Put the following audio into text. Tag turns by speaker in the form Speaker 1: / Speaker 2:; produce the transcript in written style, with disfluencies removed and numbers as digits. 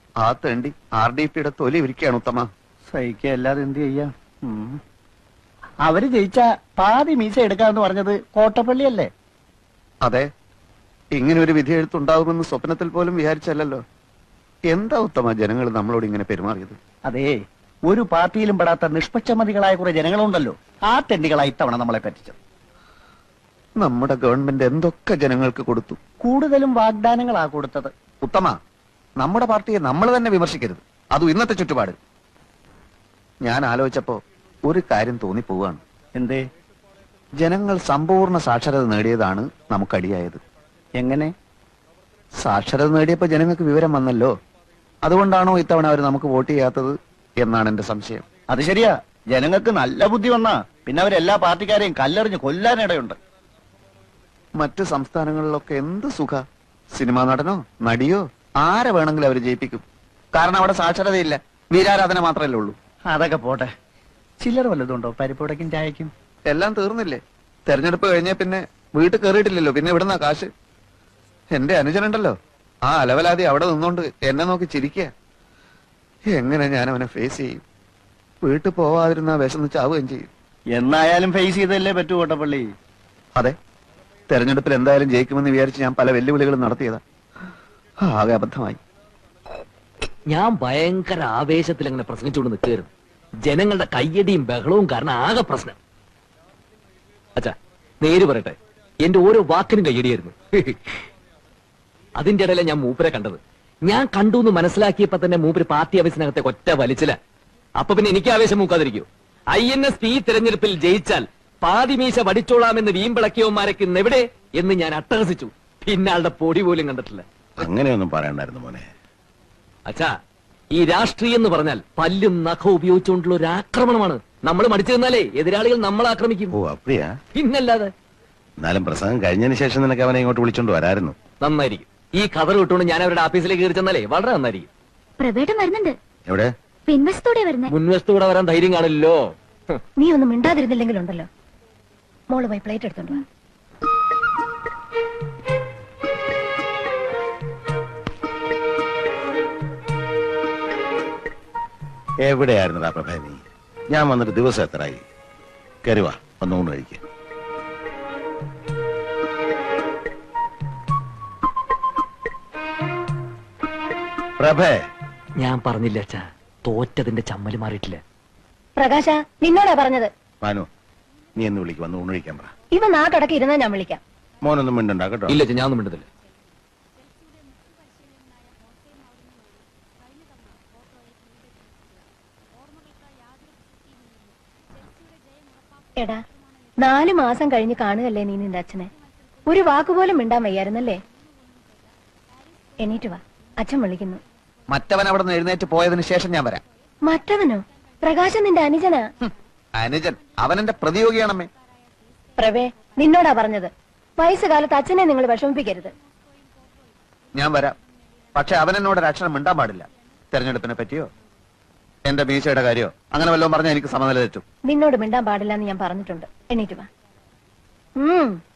Speaker 1: ആ തേണ്ടി RDPയുടെ തൊലി ഇരിക്കുകയാണ് ഉത്തമ.
Speaker 2: സഹിക്കല്ലാതെ എന്ത് ചെയ്യാം. അവര് ജയിച്ച പാതി മീശ എടുക്കാന്ന് പറഞ്ഞത് കോട്ടപ്പള്ളിയല്ലേ?
Speaker 1: അതെ, ഇങ്ങനെ ഒരു വിധി എഴുത്തുണ്ടാകുമെന്ന് സ്വപ്നത്തിൽ പോലും വിചാരിച്ചല്ലോ. എന്താ ഉത്തമ ജനങ്ങൾ നമ്മളോട് ഇങ്ങനെ പെരുമാറിയത്?
Speaker 2: അതേ, ഒരു പാർട്ടിയിലും പെടാത്ത നിഷ്പക്ഷമതികളായ കുറെ ജനങ്ങളുണ്ടല്ലോ, ആ തെണ്ടികളായി ഇത്തവണ നമ്മളെ പറ്റിച്ചത്.
Speaker 1: നമ്മുടെ ഗവൺമെന്റ് എന്തൊക്കെ ജനങ്ങൾക്ക് കൊടുത്തു.
Speaker 2: കൂടുതലും വാഗ്ദാനങ്ങളാ കൊടുത്തത്.
Speaker 1: ഉത്തമ, നമ്മുടെ പാർട്ടിയെ നമ്മൾ തന്നെ വിമർശിക്കരുത്, അതും ഇന്നത്തെ ചുറ്റുപാട്. ഞാൻ ആലോചിച്ചപ്പോ ഒരു കാര്യം തോന്നിപ്പോവാണ്.
Speaker 2: എന്തേ?
Speaker 1: ജനങ്ങൾ സമ്പൂർണ്ണ സാക്ഷരത നേടിയതാണ് നമുക്കടിയായത്.
Speaker 2: എങ്ങനെ?
Speaker 1: സാക്ഷരത നേടിയപ്പോ ജനങ്ങൾക്ക് വിവരം വന്നല്ലോ. അതുകൊണ്ടാണോ ഇത്തവണ അവർ നമുക്ക് വോട്ട് ചെയ്യാത്തത് എന്നാണ് എന്റെ സംശയം.
Speaker 2: അത് ശരിയാ, ജനങ്ങൾക്ക് നല്ല ബുദ്ധി വന്നാ പിന്നെ അവരെല്ലാ പാർട്ടിക്കാരെയും കല്ലെറിഞ്ഞ് കൊല്ലാനിടയുണ്ട്.
Speaker 1: മറ്റ് സംസ്ഥാനങ്ങളിലൊക്കെ എന്ത് സുഖ, സിനിമാ നടനോ നടിയോ ആരെ വേണമെങ്കിലും അവർ ജയിപ്പിക്കും. കാരണം അവിടെ സാക്ഷരതയില്ല, വീരാരാധന മാത്രമല്ലേ ഉള്ളൂ.
Speaker 2: അതൊക്കെ പോട്ടെ, ചില്ലറ വല്ലതുണ്ടോ പരിപ്പുടക്കും ചായക്കും?
Speaker 1: എല്ലാം തീർന്നില്ലേ? തെരഞ്ഞെടുപ്പ് കഴിഞ്ഞ പിന്നെ വീട്ടിൽ കയറിയിട്ടില്ലല്ലോ, പിന്നെ ഇവിടുന്ന കാശ്. എന്റെ അനുജനുണ്ടല്ലോ, ആ അലവലാതി അവിടെ നിന്നോണ്ട് എന്നെ നോക്കി ചിരിക്കുക. എങ്ങനെ ഞാൻ അവനെ ഫേസ് ചെയ്യും? വീട്ടിൽ പോവാതിരുന്ന വിശന്ന് ചാവുകയും ചെയ്യും.
Speaker 2: എന്നായാലും ഫേസ് ചെയ്തല്ലേ പറ്റൂ കോട്ടപ്പള്ളി.
Speaker 1: അതെ, തെരഞ്ഞെടുപ്പിൽ എന്തായാലും ജയിക്കുമെന്ന് വിചാരിച്ച് ഞാൻ പല വെല്ലുവിളികളും നടത്തിയതാ. ആകെ അബദ്ധമായി.
Speaker 3: ഞാൻ ഭയങ്കര ആവേശത്തിൽ അങ്ങനെ പ്രസംഗിച്ചുകൊണ്ട് നിൽക്കുകയായിരുന്നു. ജനങ്ങളുടെ കയ്യടിയും ബഹളവും കാരണം ആകെ പ്രശ്നം. അച്ഛാ, നേര് പറയട്ടെ, എന്റെ ഓരോ വാക്കിനും കയ്യടിയായിരുന്നു. അതിന്റെ ഇടയിലെ ഞാൻ മൂപ്പരെ കണ്ടത്. ഞാൻ കണ്ടു എന്ന് മനസ്സിലാക്കിയപ്പോ തന്നെ മൂപ്പര് പാർട്ടി ഓഫീസിനകത്തെ ഒറ്റ വലിച്ചില്ല. അപ്പൊ പിന്നെ എനിക്ക് ആവേശം മൂക്കാതിരിക്കൂ? INSP തെരഞ്ഞെടുപ്പിൽ ജയിച്ചാൽ പാതിമീശ വടിച്ചോളാമെന്ന് വീമ്പിളക്കിയവന്മാരൊക്കെ ഇന്നെവിടെ എന്ന് ഞാൻ അട്ടഹസിച്ചു. പിന്നെ ആളുടെ പൊടി പോലും കണ്ടിട്ടില്ല.
Speaker 4: അങ്ങനെയൊന്നും പറയണ്ടായിരുന്നു മോനെ.
Speaker 3: അച്ഛാ, ഈ രാഷ്ട്രീയം എന്ന് പറഞ്ഞാൽ പല്ലും നഖവും ഉപയോഗിച്ചുകൊണ്ടുള്ള ഒരു ആക്രമണമാണ്. നമ്മൾ മടിച്ചു നിന്നാലേ എതിരാളികൾ നമ്മളെ ആക്രമിക്കും.
Speaker 4: ഓ അപ്പടിയാ?
Speaker 3: പിന്നല്ലാതെ.
Speaker 4: എന്നാലും പ്രസംഗം കഴിഞ്ഞതിന് ശേഷം നിനക്ക് അവനെ ഇങ്ങോട്ട് വിളിച്ചോണ്ട് വരായിരുന്നു.
Speaker 3: നന്നായിരിക്കും. ഈ കഥ വിട്ടുകൊണ്ട് ഞാൻ അവരുടെ ഓഫീസിലേക്ക് കയറി ചെന്നാലേ വളരെ നന്നായിരിക്കും.
Speaker 5: പ്രവേട്ടം വരുന്നുണ്ട്.
Speaker 4: എവിടെ?
Speaker 5: പിൻവശത്തോടെ വരുന്നേ.
Speaker 3: മുൻവശത്തൂടെ വരാൻ ധൈര്യം കാണില്ലല്ലോ.
Speaker 5: നീ ഒന്നും മിണ്ടാതിരുന്നില്ലെങ്കിലുണ്ടല്ലോ. മോള് പോയി പ്ലേറ്റ് എടുത്തോണ്ട് വാ.
Speaker 4: എവിടെയായിരുന്നടാ പ്രഭേ നീ? ഞാൻ വന്നിട്ട് ദിവസം എത്രയായി? കരുവാ, ഒന്നുകൊണ്ട് കഴിക്ക. പ്രഭേ,
Speaker 3: ഞാൻ പറഞ്ഞില്ല അച്ഛാ, തോറ്റതിന്റെ ചമ്മല് മാറിയിട്ടില്ല.
Speaker 5: പ്രകാശ, നിന്നോടാ പറഞ്ഞത്.
Speaker 4: മാനു, നീ എന്ന് വിളിക്ക്, വന്ന് ഊണ് കഴിക്കാൻ പറ.
Speaker 5: ഇവ നാട്ടടക്കി ഇരുന്നാ ഞാൻ വിളിക്കാം.
Speaker 4: മോനൊന്നും മിണ്ടണ്ട കേട്ടോ.
Speaker 3: ഇല്ല അച്ഛാ, ഞാൻ ഒന്നും മിണ്ടുന്നില്ല.
Speaker 5: എടാ, 4 മാസം കഴിഞ്ഞ് കാണുകല്ലേ നീ നിന്റെ അച്ഛനെ. ഒരു വാക്കുപോലും മിണ്ടാൻ വയ്യായിരുന്നല്ലേ? എണീറ്റ് വാ, അച്ഛൻ വിളിക്കുന്നു.
Speaker 1: മറ്റവൻ അവിടെ നിന്ന് എഴുന്നേറ്റ് പോയതിനു ശേഷം ഞാൻ വരാം.
Speaker 5: മറ്റവനോ? പ്രകാശൻ നിന്റെ അനുജനാ.
Speaker 1: അനുജൻ അവനെന്റെ പ്രതിയോഗിയാണമ്മേ.
Speaker 5: പ്രവേ, നിന്നോടാ പറഞ്ഞത്. വയസ്സുകാലത്ത് അച്ഛനെ നിങ്ങൾ വിഷമിപ്പിക്കരുത്.
Speaker 1: ഞാൻ വരാം, പക്ഷെ അവനെന്നോട് ഒരക്ഷരം മിണ്ടാൻ പാടില്ല. തെരഞ്ഞെടുപ്പിനെ പറ്റിയോ എന്റെ മീശയുടെ കാര്യോ അങ്ങനെ വല്ലതും പറഞ്ഞാൽ എനിക്ക് സമനില തെറ്റും.
Speaker 5: നിന്നോട് മിണ്ടാൻ പാടില്ല എന്ന് ഞാൻ പറഞ്ഞിട്ടുണ്ട്. എണീറ്റ് വാ.